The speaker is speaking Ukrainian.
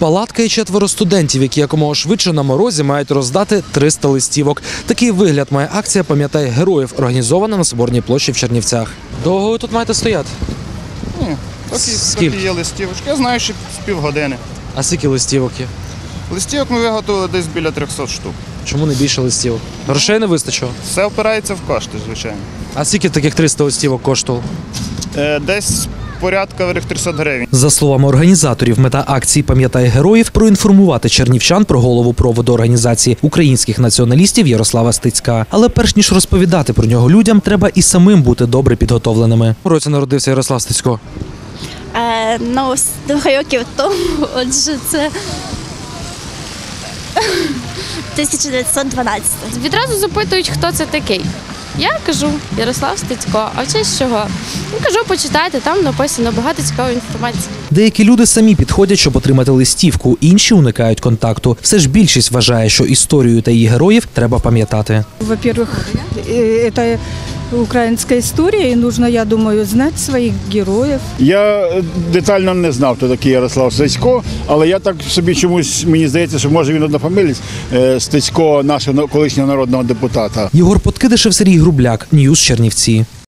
Палатка і 4 студентів, які якомога швидше на морозі мають роздати 300 листівок. Такий вигляд має акція «Пам'ятай героїв», організована на Соборній площі в Чернівцях. Довго ви тут маєте стояти? Ні, такі є листівочки. Я знаю, що з півгодини. А скільки листівок є? Листівок ми виготовили десь біля 300 штук. Чому не більше листівок? Грошей не вистачило? Все впирається в кошти, звичайно. А скільки таких 300 листівок коштувало? Десь порядка 300 гривень. За словами організаторів, мета акції «Пам'ятай героїв» – проінформувати чернівчан про голову проводу організації українських націоналістів Ярослава Стецька. Але перш ніж розповідати про нього людям, треба і самим бути добре підготовленими. У році народився Ярослав Стецько. 2 років тому, отже, це 1912. Відразу запитують, хто це такий. Я кажу Ярослав Стецько. А в честь чого? Кажу, почитайте, там написано багато цікавої інформації. Деякі люди самі підходять, щоб отримати листівку, інші уникають контакту. Все ж більшість вважає, що історію та її героїв треба пам'ятати. Во-первых, это украинская история, и нужно, я думаю, знать своих героев. Я детально не знав, хто такий Ярослав Стецько, але я так собі чомусь, мені здається, що може він однофамілець Стецько, нашого колишнього народного депутата. Єгор Подкидишев, Сергій Грубляк, Ньюс Чернівці.